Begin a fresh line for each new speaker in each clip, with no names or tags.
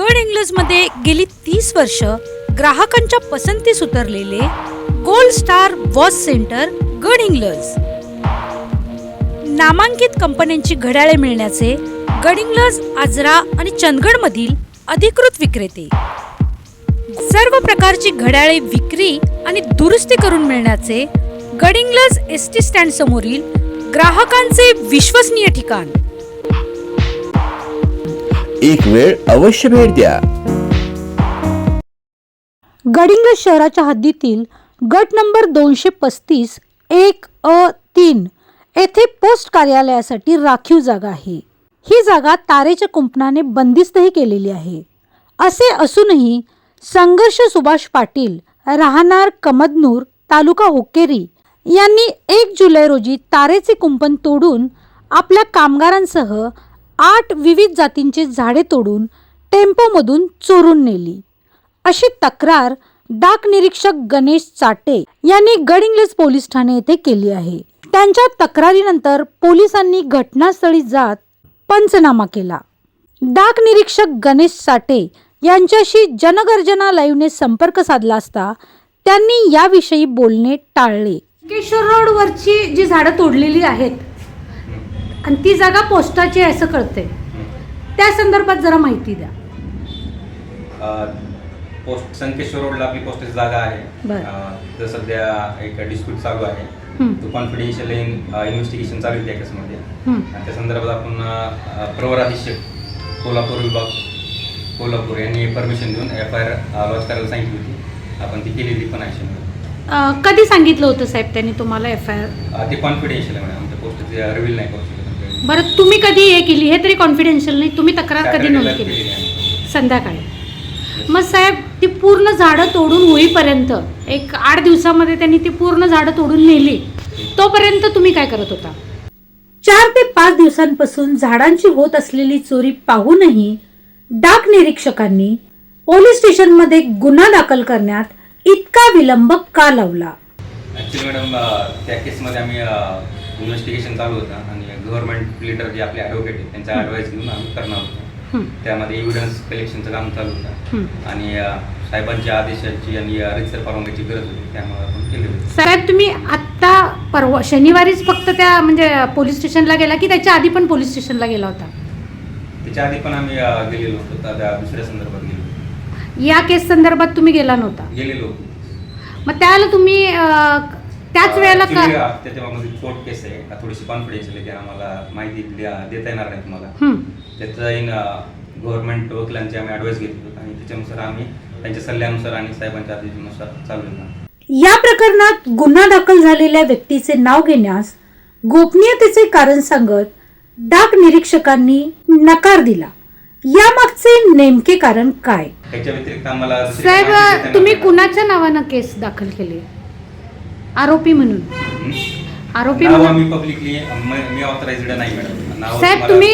गडहिंग्लजमध्ये गेली 30 वर्ष ग्राहकांच्या पसंतीस उतरलेले gold star watch centre Gadhinglaj. नामांकित कंपन्यांची घड्याळे मिळण्याचे गडहिंग्लज, आजरा आणि चंदगडमधील अधिकृत विक्रेते. सर्व प्रकारची घड्याळे विक्री आणि दुरुस्ती करून मिळण्याचे गडहिंग्लज एसटी स्टँड समोरील ग्राहकांचे विश्वसनीय ठिकाण.
एक वेळ अवश्य भेट द्या.
गडहिंग्लज शहराच्या हद्दीतील गट नंबर 235-1-3 येथे पोस्ट कार्यालयासाठी राखीव जागा आहे. ही जागा तारेच्या कुंपणाने बंदिस्तही केलेली आहे. असे असूनही संघर्ष सुभाष पाटील, राहणार कमदनूर, तालुका हुक्केरी यांनी 1 जुलै रोजी तारेचे कुंपण तोडून आपल्या कामगारांसह 8 विविध जातींचे झाडे तोडून टेम्पोमधून चोरून नेली, अशी तक्रार डाक निरीक्षक गणेश चाटे यांनी गडहिंग्लज पोलीस ठाणे येथे केली आहे. त्यांच्या तक्रारीनंतर पोलिसांनी घटनास्थळी जात पंचनामा केला. डाक निरीक्षक गणेश चाटे यांच्याशी जनगर्जना लाईव्हने संपर्क साधला असता त्यांनी याविषयी बोलणे टाळले. केशर रोडवरची जी झाडं तोडलेली आहेत आणि ती जागा पोस्टाची आहे असं कळते, त्या संदर्भात जरा माहिती द्या.
पोस्ट संकेश्वर रोडला आपली पोस्टाची जागा आहे. तर सध्या एक डिस्प्यूट चालू आहे. तो कॉन्फिडेन्शियल इन्व्हेस्टिगेशन चालू आहे त्या केसमध्ये. आणि त्या संदर्भात आपण प्रवर अधीक्षक कोल्हापूर विभाग कोल्हापूर यांनी परमिशन देऊन FIR लॉन्च करायला सांगितली होती. आपण ती केलेली पण आहे.
कधी सांगितलं होतं साहेब त्यांनी तुम्हाला FIR?
ते कॉन्फिडेन्शियल आहे मॅडम, आमच्या पोस्टचे रिव्हील नाही करू शकत.
बरं, तुम्ही कधी हे केली हे तरी कॉन्फिडेन्शियल नाही, तुम्ही तक्रार कधी नोंद केली? संध्याकाळी. मग साहेब ती पूर्ण झाडं तोडून होईपर्यंत एक 8 दिवसामध्ये त्यांनी ती पूर्ण झाडं तोडून नेली, तोपर्यंत तुम्ही काय करत होता? 4 ते 5 दिवसांपासून झाडांची होत असलेली चोरी पाहूनही डाक निरीक्षकांनी पोलीस स्टेशनमध्ये गुन्हा दाखल करण्यात इतका विलंब का लावला?
ॲक्च्युली मॅडम, त्या केसमध्ये आम्ही इन्व्हेस्टिगेशन चालू होतं आणि गव्हर्नमेंट लीडर जे आपले ॲडव्होकेट आहेत त्यांचा ॲडवाईस घेऊन आम्ही करणार होतो. त्यामध्ये एव्हिडन्स कलेक्शनचं काम चालू होतं आणि साहेबांच्या आदेशाची आणि रितसर परवानगीची गरज होती, त्यामुळे आपण केले होते.
साहेब, तुम्ही आत्ता परवा शनिवारीच फक्त त्या म्हणजे पोलीस स्टेशनला गेला की त्याच्या आधी पण पोलीस स्टेशनला गेला होता?
त्याच्या आधी पण आम्ही गेलेलो होतो, त्या दुसऱ्या संदर्भात गेलो होतो.
या केस संदर्भात तुम्ही गेला नव्हता?
गेलेलो होतो.
मग त्याला तुम्ही त्याच वेळेला का?
त्याच्यामध्ये कोर्ट केस आहे, थोडीशी कॉन्फिडेन्शियल आहे, आम्हाला माहिती देता येणार नाही तुम्हाला. त्याचा गव्हर्नमेंट वकिलांची आम्ही ॲडवाईस घेतली आणि त्याच्यानुसार आम्ही त्यांच्या सल्ल्यानुसार आणि साहेबांच्या आदेशानुसार चालू होता.
या प्रकरणात गुन्हा दाखल झालेल्या व्यक्तीचे नाव घेण्यास गोपनीयतेचे कारण सांगत डाक निरीक्षकांनी नकार दिला. यामागचे नेमके कारण काय?
त्याच्या व्यतिरिक्त आम्हाला
साहेब, तुम्ही कुणाच्या नावानं केस दाखल केली? आरोपी म्हणून? आरोपी म्हणून
मी पब्लिकली मी ऑथराइज्ड नाही मॅडम.
साहेब, तुम्ही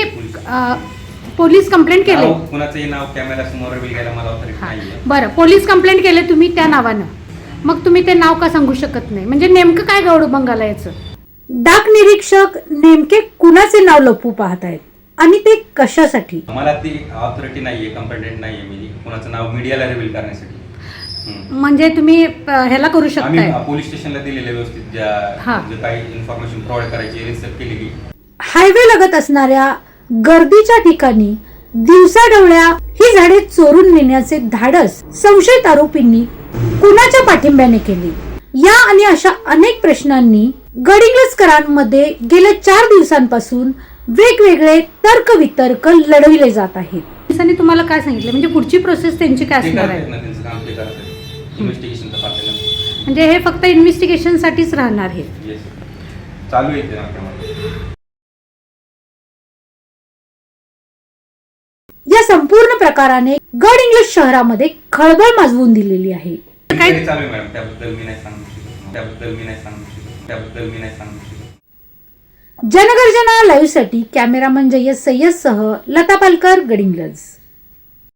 पोलीस कंप्लेंट केले?
कुणाचंही नाव कॅमेरा समोर रिव्हील करायला मला ऑथॉरिटी नाहीये.
बरं, पोलीस कंप्लेंट केले तुम्ही त्या नावानं, मग तुम्ही ते नाव का सांगू शकत नाही? म्हणजे नेमकं काय गौडबंगाला याचं? डाक निरीक्षक नेमके कुणाचे नाव लपवू पाहत आहेत आणि ते कशासाठी?
मला ती ऑथॉरिटी नाहीये, कंप्लेंट नाहीये मी कुणाचं नाव मीडियाला रिव्हील करण्यासाठी.
म्हणजे तुम्ही ह्याला करू शकता?
आम्ही पोलीस स्टेशनला दिलेले व्यवस्थित ज्या काही इन्फॉर्मेशन प्रोव्हाइड करायची रिसर्च केलेली.
हायवे लगत असणाऱ्या गर्दीच्या ठिकाणी दिवसाढवळ्या ही झाडे चोरून नेण्याचे धाडस संशयित आरोपींनी कुणाच्या पाठिंब्याने केले? या आणि अशा अनेक प्रश्नांनी गडहिंग्लजकरांमध्ये गेल्या 4 दिवसांपासून वेगवेगळे तर्कवितर्क लढविले जात आहेत. पोलिसांनी तुम्हाला काय सांगितलं? म्हणजे पुढची प्रोसेस त्यांची काय असणार आहे? म्हणजे हे फक्त इन्व्हेस्टिगेशन साठीच राहणार आहे?
चालू आहे.
या संपूर्ण प्रकाराने गडहिंग्लज शहरामध्ये खळबळ माजवून दिलेली आहे.
काय चालू आहे मॅडम, त्याबद्दल मी नाही सांगू शकत.
जनगर्जना लाईव्ह साठी कॅमेरामन जय्यद सय्यद सह लता पालकर, गडहिंग्लज.